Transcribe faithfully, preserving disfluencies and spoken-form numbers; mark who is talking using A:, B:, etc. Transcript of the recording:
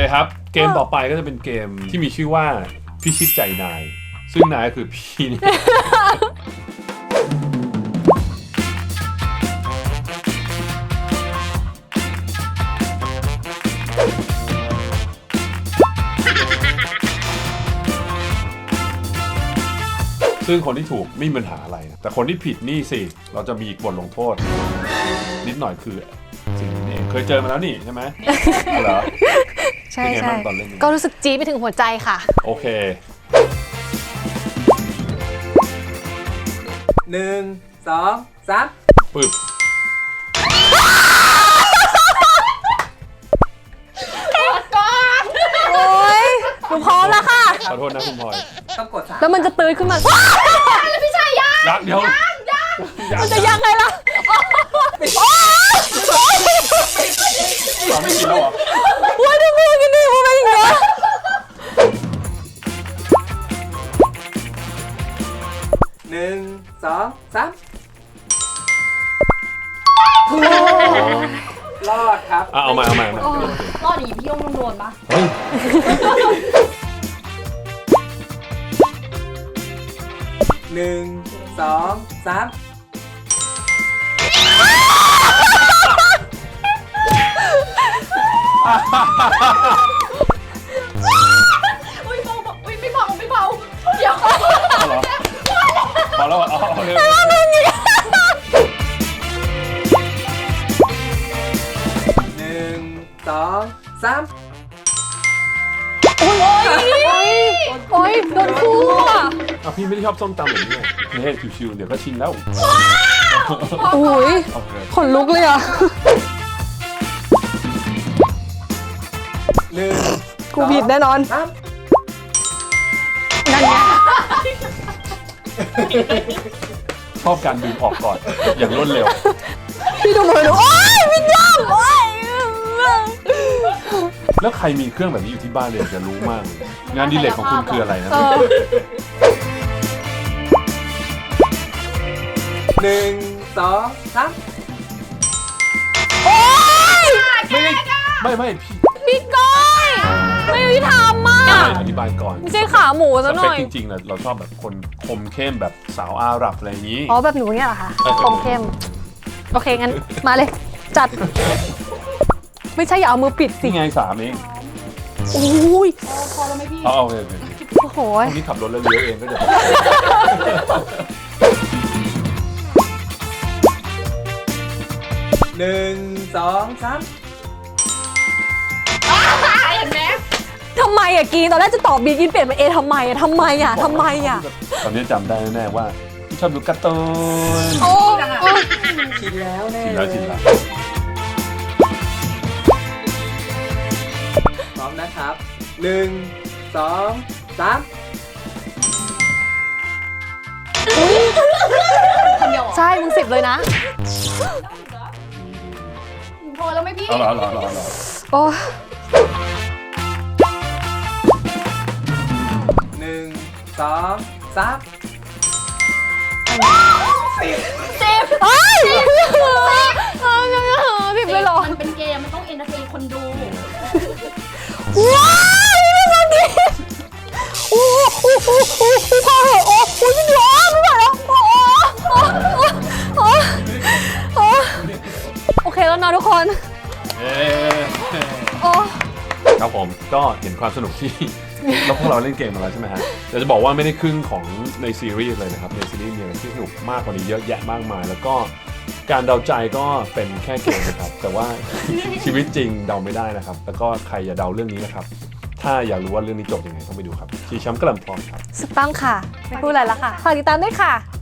A: ครับเกมต่อไปก็จะเป็นเกมที่มีชื่อว่าพิชิตใจนายซึ่งนายก็คือพี่นี่ ซึ่งคนที่ถูกไม่มีปัญหาอะไรนะแต่คนที่ผิดนี่สิเราจะมีบทลงโทษนิดหน่อยคือสิ่งนี้เองเคยเจอมาแล้วนี่ใช่ไหม เหรอ
B: ใช่
A: เป็นไง
B: ใช่
A: บ้างตอนเล่นนี้
B: ก็รู้สึกจี๊ดไปถึงหัวใจค่ะ
A: โอเค
C: หนึ่งสองสาม
A: ปึ๊บ
B: โอ๊ยหนูพร้อมแล้วค่ะ
A: ขอโทษนะคุณพลอย
C: ต้องกดสาม
B: แล้วมันจะตื่นขึ้นมา
A: ยักเดี๋ยวยัง
B: มันจะยังไงล่ะ
A: เราไม่กินแล้วเหรอ
B: ว่าดูมือกันดิมันเป็นอย่างเงี้ย
C: หนึ่งสองสามรอดครับ
A: อ่ะเอามาเอามาเอามา
D: รอดอย่างนี้พี่โยงต้องโดนปะ
A: เฮ้ย
C: หนึ่งสองสาม
D: อุ้ยเบาอุ้ยไม่เบาไม่เบาเดี๋ยว
A: เอาเหรอพอแล้วเหรอเอาเอาเลย
C: หนึ่งสองสาม
B: โอ๊ยโอ๊ยโดนคู่อ่ะ
A: เอาพี่ไม่ได้ชอบส้มตำแบบนี้นี่ให้ชิวๆเดี๋ยวก็ชินแล้ว
B: โอ้ย
A: โอเค
B: ขนลุกเลยอ่ะ
C: หนึ่ง
B: กูผิดแน่นอน
C: สาม
B: นั่นไง
A: ชอบการดึงออกก่อนอย่างรวดเร็ว
B: พี่ดูมือหนูโอ๊ยวิญญาณโอ๊ย
A: แล้วใครมีเครื่องแบบนี้อยู่ที่บ้านเลยอยากจะรู้มากเลยงานอดีเลกของคุณคืออะไรนะ
B: เออ
C: หนึ่งสองสาม
B: โอ๊ย
A: ไม่ได้ไม่ไม่พี่
B: พี่ก้อยไม่ยุติธรรมอ่ะ
A: อธิบายก่อน
B: ไม่ใช่ขาหมู
A: ส
B: ซะห
A: เป
B: น่
A: ค
B: อย
A: จริงๆนะเราชอบแบบคนคมเข้มแบบสาวอาหรับอะไรอย่างนี้
B: อ๋อแบบหนูเนี่ยเหรอคะ
A: เออ
B: คมเข้ม โอเค งั้น มาเลย จัด ไม่ใช่อย่าเอามือปิดสิ
A: นี่ไงสามเอง
B: โอ้ย
D: พอแล้วไหมพี่
A: เอาเอาเลย
B: โอ้โห
A: พวกนี้ขับรถแล้วเลี้ยวเองก็เดี๋ยว
C: หนึ่งสองสาม
D: เห็นไหม
B: ทำไมอะกีนตอนแรกจะตอบบีกินเปลี่ยนเป็นเอทำไมอะทำไมอะทำไมอะ
A: ตอนนี้จำได้แน่ๆว่าชอบดูการ์ตูน
B: โอ้โอ้
C: ชินแล้วแน่
A: ชินแล้วชินแล้ว
C: พร้อมนะครับหนึ่งสองสาม
D: คนเดียวเหรอ
B: ใช่ มึงสิบเลยนะ
D: พอแล้วไหมพี่
A: เอาเหรอเอาเหรอเอาเหรอเอาเหรอ
B: โอ้
C: หนึ่งสองสาม
D: สิบ
B: เอ้ยเออยังไงเหรอสิบเลยเหรอ
D: มันเป็นเกมมันต้องเอนเตอร์เทนคนดู
B: ว้าวนี่มันดีโอ้โหโอ้โหพอเหอะโอ้โหจริงเหรอไม่ไหวแล้วโอ้โหโอ้โอเคแล้วนะทุกคน
A: เอ๊ะ
B: โอ้
A: ครับผมก็เห็นความสนุกที่ แล้วพวกเราเล่นเกมมาแล้วใช่ไหมฮะแต่จะบอกว่าไม่ได้ครึ่งของในซีรีส์เลยนะครับในซีรีส์มีอะไรที่สนุกมากกว่านี้เยอะแยะมากมาย แล้วก็การเดาใจก็เป็นแค่เกมนะครับแต่ว่า ชีวิตจริงเดาไม่ได้นะครับแล้วก็ใครอย่าเดาเรื่องนี้นะครับถ้าอยากรู้ว่าเรื่องนี้จบยังไงต้องไปดูครับชีช้ำกระลำพรครับ
B: สุดต้องค่ะ ไม่พูดอะไรแล้วค่ะ ฝากติดตามด้วยค่ะ